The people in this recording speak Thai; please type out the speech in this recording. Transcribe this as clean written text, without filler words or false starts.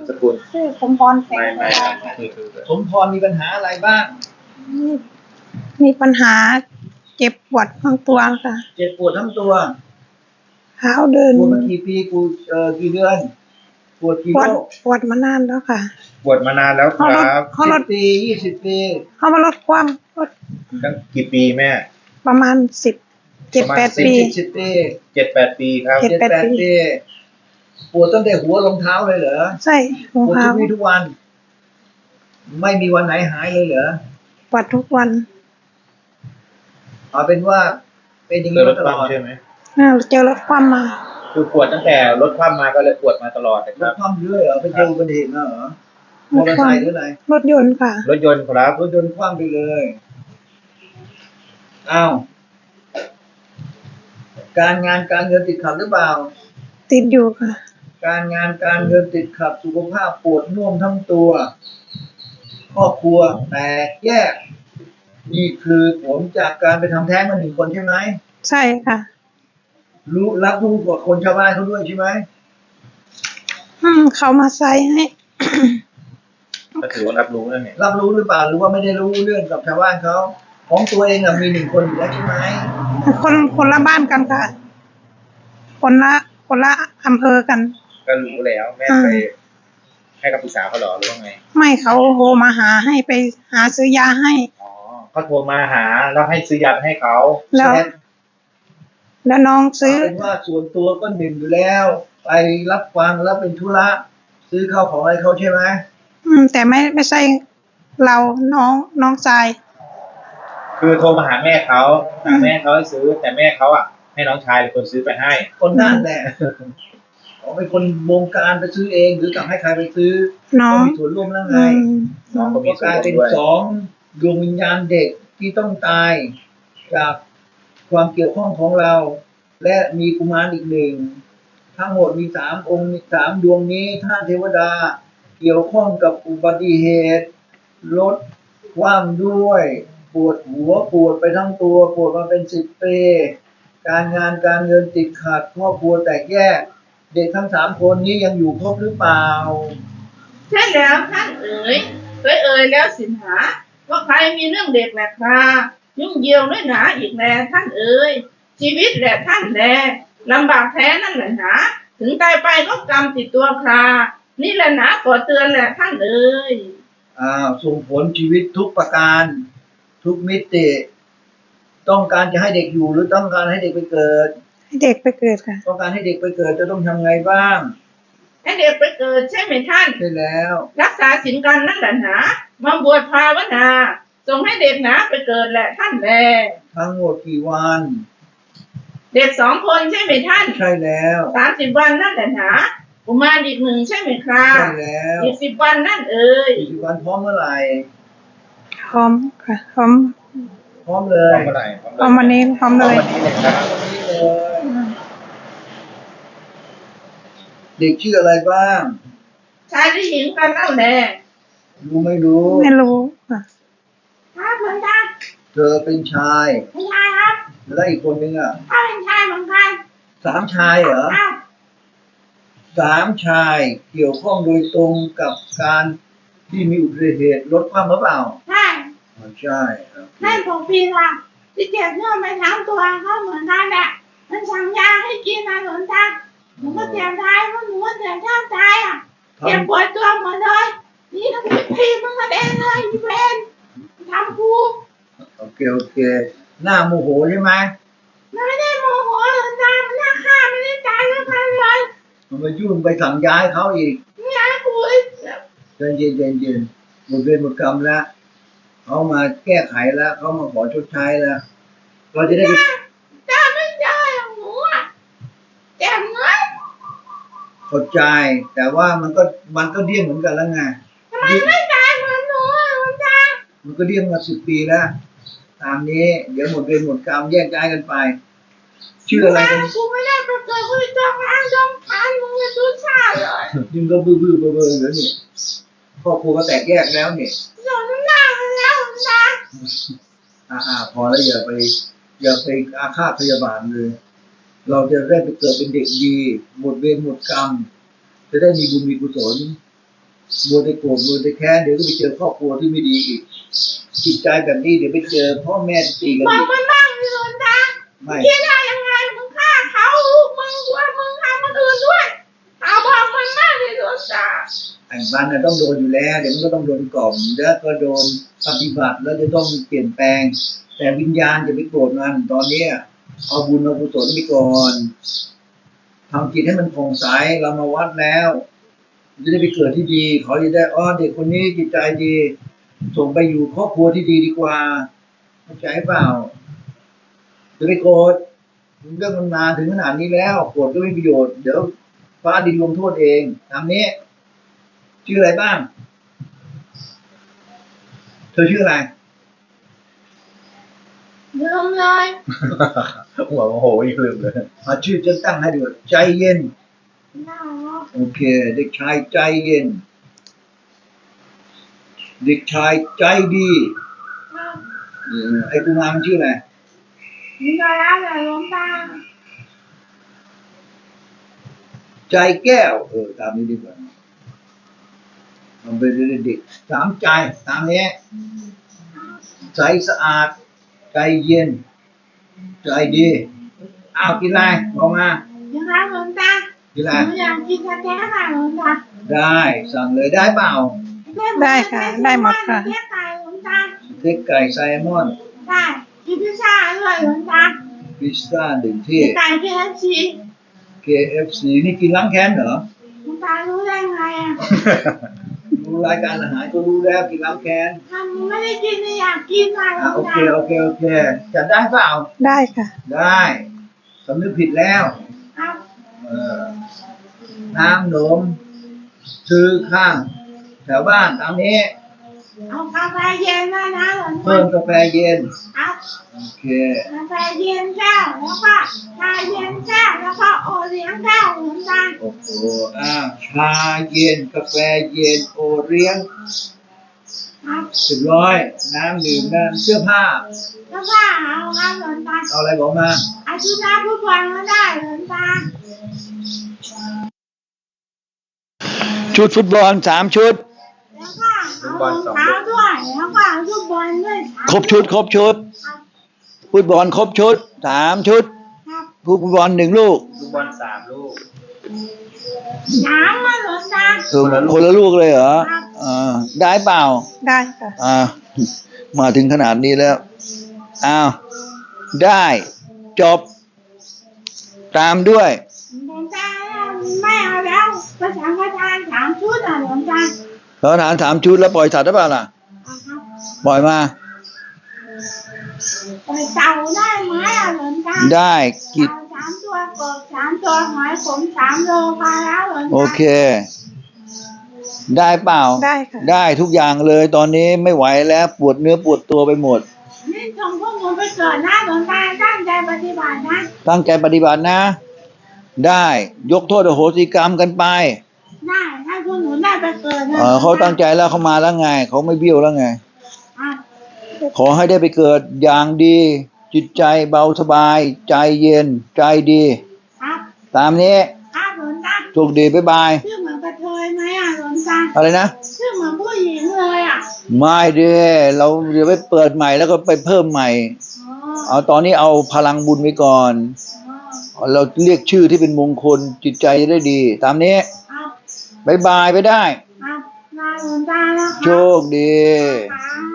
สกุลชื่อสมพรแสงไม่สมพรมีปัญหาอะไรบ้างมีปัญหาเจ็บปวดทั้งตัวค่ะเจ็บปวดทั้งตัวเท้าเดินปวดมากี่ปีกี่เดือนปวดกี่ปวโรดคปวดมานานแล้วค่ะบวชมานานแล้วคเขาลดรับเขาลด 10 ปี 20 ปีเขามาลดความลดตั้งกี่ปีแม่ประมาณ7-8 ปี 10 ปี 7-8 ปีครับเจ็ด 7-8 ปีปวดตั้งแต่หัวลงเท้าเลยเหรอใช่รองปวดเท้าทุกวี่ทุกวัน ไม่มีวันไหนหายเลยเหรอปวดทุกวันเอาเป็นว่าเป็นอย่างเจอนี้รมาถตคลอดว่ำใช่ไหมเจอลดความมาคือปวดตั้งแต่รถคว่ำมาก็เลยปวดมาตลอดนะครรัถบคว่ำเรื่อยเหรอไปเจออุบัติเหตุมาเหรอมอเตอร์ไซค์หรืออะไรรถยนต์ค่ะรถยนต์ครับรถยนต์คว่ำไปเลยอ้าวการงานการเงินติดขัดหรือเปล่าติดอยู่ค่ะการงานการเงินติดขัดสุขภาพปวดน่วมทั้งตัวครอบครัวแตกแยกนี่คือผลจากการไปทำแท้งมา1 คนใช่ไหมใช่ค่ะรับรู้กว่าคนชาวบ้านเขาด้วยใช่ไหมเขามาใส่ให้ก็ถือว่ารับรู้แล้วเนี่ยรับรู้หรือเปล่าหรือว่าไม่ได้รู้เรื่องกับชาวบ้านเขาของตัวเองมี1 คนอยู่แล้วใช่ไหมคนละบ้านกันค่ะ คนละอำเภอกันก็รู้แล้วแม่ไปให้คำปรึกษาเขาเหรอหรือว่าไงไม่เขาโทรมาหาให้ไปหาซื้อยาให้อ๋อเขาโทรมาหาแล้วให้ซื้อยาไปให้เขาแล้วน้องซื้อเป็นว่าส่วนตัวก็1อยู่แล้ว ไปรับฟังแล้วเป็นธุระซื้อข้าวของอะไรเขาใช่ไหมแต่ไม่ใช่เราน้องชายคือโทรมาหาแม่เขาแม่เขาให้ซื้อแต่แม่เขาอ่ะให้น้องชายเป็นคนซื้อไปให้คนนั่นแหละเขาเป็นคนบงการไปซื้อเองหรือกับให้ใครไปซื้อน้อก็งมีส่วนร่วมแล้วไงน้องก็มีก็ส่กวนลายร่เป็วน มด้วย 2 ดวงวิญญาณเด็กที่ต้องตายจากความเกี่ยวข้องของเรา และมีกุมารอีก1ทั้งหมดมี3 องค์3 ดวงนี้ท่านเทวดาเกี่ยวข้องกับอุบัติเหตุรถคว่ำด้วยปวดหัวปวดไปทั้งตัวปวดมาเป็น10 ปีการงานการเงินติดขัดครอบครัวแตกแยกเด็กทั้ง3 คนนี้ยังอยู่ครบหรือเปล่าใช่แล้วท่านเอ๋ยแล้วสินหาว่าใครมีเรื่องเด็กแหละครายุ่งเยียวด้วยหนาอีกแลท่านเอ๋ยชีวิตแหละท่านแลลำบากแท้นั่นแหละหนาถึงตายไปก็กรรมติดตัวครานี่แหละหนาขอเตือนแหละท่านเอ๋ยส่งผลชีวิตทุกประการทุกมิติต้องการจะให้เด็กอยู่หรือต้องการให้เด็กไปเกิดให้เด็กไปเกิดค่ะต้องการให้เด็กไปเกิดจะต้องทำไงบ้างให้เด็กไปเกิดใช่ไหมท่านใช่แล้วรักษาศีลกันนั่นแหละหนามาบวชภาวนาส่งให้เด็กหนาไปเกิดแหละท่านแลทั้งหมดกี่วันเด็ก2 คนใช่ไหมท่านใช่แล้ว 30 วันนั่นแหละหนากุมารอีก1ใช่ไหมคราใช่แล้วอีก10 วันนั่นเอ๋ย 40 วันพร้อมเมื่อไหร่พร้อมค่ะ พร้อมพร้อมเลพร้อย มเมื่อไหร่พร้อมวันนี้พร้อมพร้อเลมยวันนี้เลยครับวันนี้เลยเด็กชื่ออะไรบ้างชายหรือหญิงกันเล่าแน่รู้ไม่รู้ไม่รู้ค่ะครับเหมือนกันเธอเป็นชายไม่ใช่ครับแล้วอีกคนนึงถ้าเป็นชายเหมือนกัน 3 ชายเหรอครับ 3 ชายเกี่ยวข้องโดยตรงกับการที่มีอุบัติเหตุรถคว่ำหรือเปล่าใช่อ๋อใช่ครับให้ผมปีละที่เจ็บเนื้อไปทั้งตัวก็เหมือนกันแหละมันสั่งยาให้กินนะหลวงตาหนูก็เจ็บตายเพราะหนูก็เจ็บแทบตายเจ็บปวดตัวหมดเลยนี่ทำไมพี่มึงมาเองเลยอีเวนทำกูโอเคหน้าโมโหใช่ไหมไม่ได้โมโหหลวงตามันน่าฆ่าไม่ได้ตายแล้วกันเลยมันมายุ่งไปสั่งย้ายเขาอีกนี่ไอ้กูเย็นหมดเวรหมดกรรมแล้วเขามาแก้ไขแล้วเขามาขอชดใช้แล้วเราจะได้ไปตาไม่ได้ของหนูเจ็บเงินเข้าใจแต่ว่ามันก็เดี้ยงเหมือนกันแล้วไงทำไมไม่ตายเหมือนหนูหลวงตามันก็เดี้ยงมา10 ปีแล้วตามนี้เดี๋ยวหมดเวรหมดกรรมแยกย้ายกันไปชื่ออะไรกันกูไม่ได้ไปเกิดกูจองอ้างจองทานมึงจะดูชาเลยยิ่งก็บื้อเบอเหลือนี่ครอบครัวก็แตกแยกแล้วเนี่ยหนูหน้าแล้วนะพอแล้วอย่าไปอาฆาตพยาบาทเลย เราจะได้ไปเกิดเป็นเด็กดีหมดเวรหมดกรรมจะได้มีบุญมีกุศลมัวแต่โกรธมัวแต่แค้นเดี๋ยวก็ไปเจอครอบครัวที่ไม่ดีอีกจิตใจแบบนี้เดี๋ยวไปเจอพ่อแม่ตีกันบออีกกมันบ้างสิหลวงตาไม่คิดได้ยังไงมึงฆ่าเขาลูกมึงว่ามึงทำคนอื่นด้วยเอาบอกมันบ้างสิหลวงตาไอ้บ้านน่ะต้องโดนอยู่แล้วเดี๋ยวมันก็ต้องโดนกล่อมแล้วก็โดนปฏิบัติแล้วจะต้องเปลี่ยนแปลง แต่วิญญาณจะไปโกรธมันตอนเนี้ยเอาบุญเอากุศลไปก่อนทำจิตให้มันผ่องใสเรามาวัดแล้วจะได้ไปเกิดที่ดีเขาจะได้เด็กคนนี้จิตใจดี ส่งไปอยู่ครอบครัวที่ดีดีกว่าเข้าใจเปล่าจะไปโกรธเรื่องมันมาถึงขนาดนี้แล้วโกรธก็ไม่มีประโยชน์เดี๋ยวฟ้าดินลงโทษเองตามนี้ชื่ออะไรบ้างเธอชื่ออะไรลืมเลยหัวโมโหอีกลืมเลยชื่อจะตั้งให้ดูใจเย็นน่าโอเคเด็กชายใจเย็น เด็กชายใจดีไอ้กุมารมันชื่ออะไรมีอะไรแต่หลวงตาใจแก้วตามนี้ดีกว่ามันเป็นเด็กสามใจตามนี้ใสสะอาดใจเย็น ใจดีอ้าวกินอะไรบอกมายังไงหลวงตากินหอะไรนูอยากกินกาแฟค่ะหลวงตาได้สั่งเลยได้เปล่าได้ค่ะได้หมดค่ะเรียกไก่หลวงตาสเต็กไก่ไซมอนได้กินพิซซ่าด้วยหลวงตาพิซซ่าหนึ่งที่ไก่ KFC KFC นี่กินล้างแค้นเหรอหลวงตารู้ได้ไงอ่ะดูรายการอาหารก็รู้แล้วกินล้างแค้นทำไม่ได้กินเลยอยากกินค่ะหลวงโอตาเคโอเคจัดได้เปล่าได้ค่ะได้สำนึกผิดแล้วครับเออน้ำหนมซื้อข้างแถวบ้านตามนี้เอากาแฟเย็นด้วยนะหลวงเพิ่ตามกาแฟเย็นครับโอเคกาแฟเย็นแก้วแล้วก็ชาเย็นแก้วแล้วก็โอเลี้ยงแก้วหลวงตาโอ้โหชาเย็นกาแฟเย็นโอเลี้ยงครับ 100น้ำดื่มน้ำเสื้อผ้าแล้วก็เอาครับหลวงตาเอาอะไรบอกมาอาทิตย์หน้าทุกวันก็ได้หลวงตาชุดฟุตบอล3 ชุดแล้วก็เอารองเท้าด้วยแล้วก็เอาลูกบอลด้วยครบชุดฟุตบอลครบชุด3 ชุดครับฟุตบอล1 ลูกลูกบอล3 ลูกน้ำมาหลวงตาคนละลูกเลยเหรอครับได้เปล่าได้ค่ะมาถึงขนาดนี้แล้วอ้าวได้จบ ตามด้วยหลวงตาไม่เอาแล้วภาษาประธาน3 ชุดอ่ะหลวงตาเราทาน3 ชุดแล้วปล่อยสัตว์ได้เปล่าล่ะเอาครับปล่อยมาปล่อยเต่าได้ไหมอ่ะหลวงตาได้กิจเต่า3 ตัวกบ3 ตัวหอยขม3 โลพาแล้วหลวงตาโอเค ได้เปล่าได้ค่ะได้ทุกอย่างเลยตอนนี้ไม่ไหวแล้วปวดเนื้อปวดตัวไปหมดนี่ส่งพวกหนูไปเกิดนะหลวงตาตั้งใจปฏิบัตินะตั้งใจปฏิบัตินะ ได้ยกโทษอโหสิกรรมกันไปได้ให้พวกหนูได้ไปเกิดนะเขาตั้งใจแล้วเขามาแล้วไงเขาไม่เบี้ยวแล้วไงครับขอให้ได้ไปเกิดอย่างดี จิตใจเบาสบาย ใจเย็น ใจดีครับตามนี้ครับหลวงตาโชคดีบ๊ายบายชื่อเหมือนกระเทยไหมอ่ะหลวงตาอะไรนะชื่อเหมือนผู้หญิงเลยอ่ะไม่เด้เราเดี๋ยวไปเปิดใหม่แล้วก็ไปเพิ่มใหม่อ๋อเอาตอนนี้เอาพลังบุญไว้ก่อนอ๋อเราเรียกชื่อที่เป็นมงคลจิตใจจะได้ดี ตามนี้ครับบายบายไปได้ครับลาหลวงตาแล้วคโชรับคดีครับ